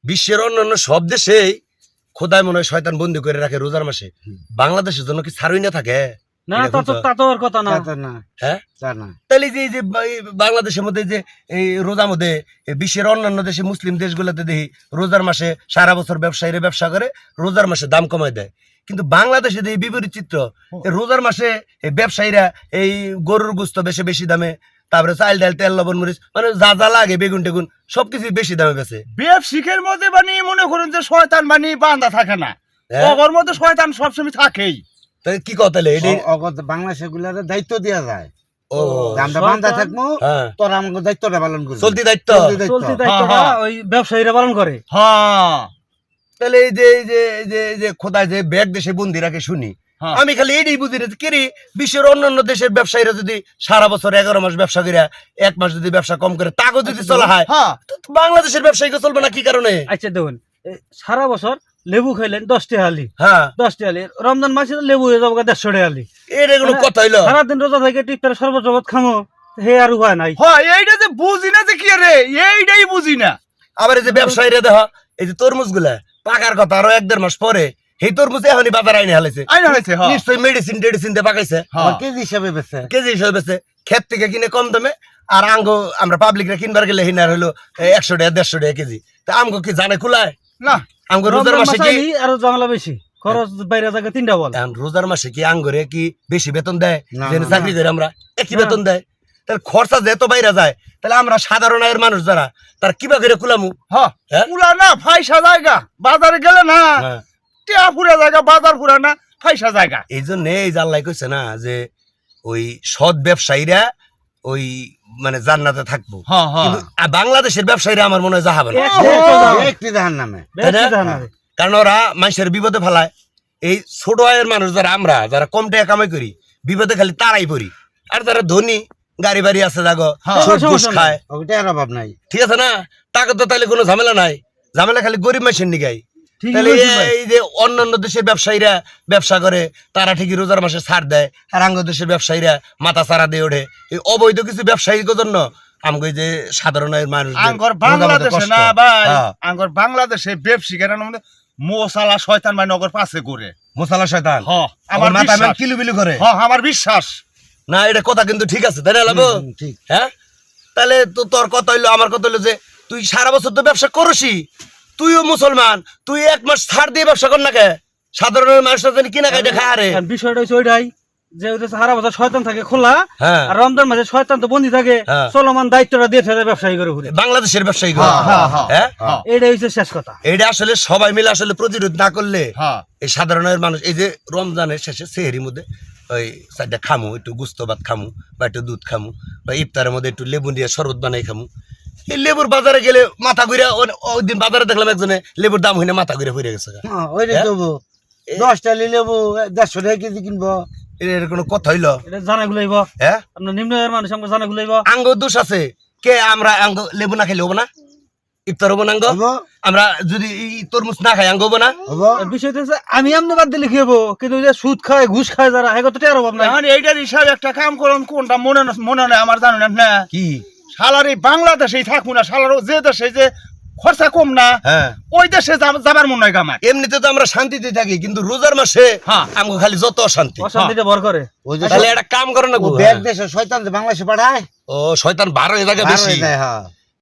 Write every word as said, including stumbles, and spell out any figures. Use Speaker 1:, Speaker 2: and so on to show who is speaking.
Speaker 1: বিশ্বের অন্যান্য সব দেশেই খোদায় মনে হয় শয়তান বন্দি করে রাখে রোজার মাসে, বাংলাদেশের জন্য কি ছাড়ই না থাকে?
Speaker 2: না তা তো তা তো আর কথা না।
Speaker 1: হ্যাঁ তাহলে যে এই যে বাংলাদেশের মধ্যে যে এই রোজার মধ্যে বিশ্বের অন্যান্য দেশে মুসলিম দেশগুলোতে দেখি রোজার মাসে সারা বছর ব্যবসায়ীরা ব্যবসা করে, রোজার মাসে দাম কমায় দেয়। কিন্তু বাংলাদেশে এই বিপরীত চিত্র, রোজার মাসে ব্যবসায়ীরা এই গরুর গোস্ত বেশি বেশি দামে, তারপরে চাল ডাল তেল লবণ মরিচ মানে যা যা লাগে বেগুন টেগুন সবকিছু বেশি দামে বেছে।
Speaker 3: ব্যবসায়ীর মধ্যে মানে মনে করুন যে শয়তান মানে বান্ধা থাকে না, ওর মধ্যে শয়তান সবসময় থাকেই।
Speaker 1: তাই কি কথা
Speaker 4: বাংলাদেশের গুলার দায়িত্ব দেওয়া যায়,
Speaker 1: ও
Speaker 4: আমরা বান্ধা থাকবো, তোরা আমাকে দায়িত্বটা পালন করবি,
Speaker 1: চলতি দায়িত্ব
Speaker 2: চলতি দায়িত্বটা ওই ব্যবসায়ীরা পালন করে।
Speaker 3: হ্যাঁ
Speaker 1: তাহলে এই যে এই যে এই যে এই যে খোদায় যে ব্যাগ দেশে বন্দি রাখে শুনি, আমি খালি এটাই বুঝি না কেরি বিশ্বের অন্যান্য দেশের ব্যবসায়ীরা যদি সারা বছর এগারো মাস ব্যবসা করে এক মাস যদি ব্যবসা কম করে তাকে যদি চলা হয়, বাংলাদেশের ব্যবসায়ীকে চলবে না কি কারণে?
Speaker 2: আচ্ছা দেখুন, সারা বছর লেবু খাইলেন দশটি হালি,
Speaker 1: হ্যাঁ
Speaker 2: দশটি হালি, রমজান মাসে লেবু হয়ে যাবো দেড়শো টি হালি,
Speaker 1: এটা কোনো কথা হইলো?
Speaker 2: সারাদিন রোজা থেকে টিপটার শরবত শরবত খামো, হে আর উপায় নাই।
Speaker 3: হ্যাঁ এইটা যে বুঝি না যে কি রে, এইটাই বুঝি না।
Speaker 1: আবার এই যে ব্যবসায়ীরা দেখ এই যে তরমুজ গুলা পাকার কথা আরো এক দেড় মাস পরে এই তরমুজ এখনই বাজার আইনে হালাইছে, নিশ্চয়ই মেডিসিন টেডিসিন দিয়ে পাকাইছে,
Speaker 4: কেজি হিসাবে বেচে
Speaker 1: কেজি হিসাবে বেচে, ক্ষেত থেকে কিনে কম দামে। আর আঙ্গো আমরা পাবলিকরা কিনবার গেলে হিনার হলো একশো টাকা দেড়শো টাকা কেজি। তা আমগো কি জানে খুলায়
Speaker 3: না?
Speaker 1: আমগো রোজার মাসে কি
Speaker 2: আরো ঝামেলা বেশি, খরচ বাইরে জায়গা তিনটা বল।
Speaker 1: রোজার মাসে কি আঙ্গরে কি বেশি বেতন দেয়? চাকরি করে আমরা একই বেতন দেয়, তাহলে খরচা যেহেতু বাইরে যায় তাহলে আমরা সাধারণ আয়ের মানুষ যারা তার কিবা করে কুলামু?
Speaker 3: হ্যাঁ কুলা না, ফাইসা জায়গা বাজারে গেলে না, টিয়া পুরা জায়গা বাজার পুরা না, ফাইসা জায়গা।
Speaker 1: এই জন্য এই যে আল্লাহ কইছে না যে ওই সৎ ব্যবসায়ীরা ওই মানে জান্নাতে থাকবো, কিন্তু বাংলাদেশের ব্যবসায়ীরা আমার মনে হয় যাবে না,
Speaker 4: জাহান্নামে।
Speaker 1: কারণ ওরা মানুষের বিপদে ফেলায়। এই ছোট আয়ের মানুষ যারা আমরা যারা কম টাকা কামাই করি বিপদে খালি তারাই পড়ি, আর যারা ধনী গাড়ি বাড়ি আছে জাগো খায়
Speaker 4: অভাব নাই,
Speaker 1: ঠিক আছে না, টাকা তো তাহলে কোনো ঝামেলা নাই, ঝামেলা খালি গরিব মানুষের নিগাই। তাহলে এই যে অন্যান্য দেশের ব্যবসায়ীরা ব্যবসা করে তারা ঠিকই রোজার মাসে ছাড় দেয়, আর আঙ্গ দেশের ব্যবসায়ীরা মাথা চারা দিয়ে ওঠে। এই অবৈধ কিছু ব্যবসায়ীর জন্য আমগো যে সাধারণ মানুষ
Speaker 3: আঙ্গর বাংলাদেশে না ভাই, আঙ্গর বাংলাদেশে ব্যবসায়ীরা মোসালা শয়তান মানে নগর পাশে করে
Speaker 1: মোসালা শয়তান
Speaker 3: আমার
Speaker 1: মাথা কিলুবিলু করে।
Speaker 3: হ্যাঁ আমার বিশ্বাস
Speaker 1: না, এটা কথা কিন্তু ঠিক আছে তাই না লাভ? হ্যাঁ তাহলে তো তোর কথা হইলো আমার কথা হইলো যে তুই সারা বছর তো ব্যবসা করসি, তুইও মুসলমান, তুই এক মাস ছাড় দিয়ে ব্যবসা কর না কে? সাধারণ মানুষরা জানি কিনা খাইতে খায়। আরে
Speaker 2: বিষয়টা হচ্ছে ওইটাই যে সারা বছর শয়তান থাকে খোলা, আর রমজান মাসে শয়তান তো বন্দি থাকে, চলমান দায়িত্বটা দিয়ে ফেলে ব্যবসায়ী করে ঘুরে বাংলাদেশের ব্যবসায়ী করে। হ্যাঁ এটাই হচ্ছে শেষ কথা।
Speaker 1: এটা আসলে সবাই মিলে আসলে প্রতিরোধ না করলে এই সাধারণ মানুষ এই যে রমজানের শেষে সেহরির মধ্যে ওই চারটা খামু, একটু গুস্ত ভাত খামু বা একটু দুধ খামু, বা ইফতারের মধ্যে একটু লেবু দিয়ে শরবত বানাই খামু। এই লেবুর বাজারে গেলে মাথা ঘুরে, ওই দিন বাজারে দেখলাম একজনে লেবুর দাম হইনে মাথা ঘুরে ফিরে গেছে।
Speaker 4: দশটা লেবু দেড়শো টাকা কেজি কিনবো,
Speaker 1: এর কোনো কথা হইলো?
Speaker 2: জানা গুলাইব, হ্যাঁ আপনার নিম্ন আয়ের মানুষ আমাকে জানা গুলাইব।
Speaker 1: আঙ্গ দোষ আছে কে? আমরা আঙ্গ লেবু না খাইলে হবো না? ইফতার হবো না আঙ্গ? আমরা যদি তরমুজ না খাই আঙ্গ হবো না?
Speaker 2: বিষয়টা হচ্ছে আমি আমনে বাদ দিলে কি হবো, কিন্তু সুদ খায় ঘুষ খায় যারা হেগো তো টের অভাব নাই।
Speaker 3: এইটার হিসাবে একটা কাম করুন, কোনটা মনে মনে নেই আমার জানেন না
Speaker 1: কি
Speaker 3: শালার এই বাংলাদেশেই থাকুন না, শালার যে দেশে যে খরচা কম না ওই দেশে যাবার মনে হয় আমার।
Speaker 1: এমনিতে তো আমরা শান্তিতে থাকি, কিন্তু রোজার মাসে আমগো খালি যত অশান্তি
Speaker 2: অশান্তিটা ভর করে।
Speaker 1: তাহলে একটা কাম করে না,
Speaker 4: দেশে শয়তান বাংলাদেশে পাঠায়,
Speaker 1: ও শয়তান বার হয়ে থাকে বেশি।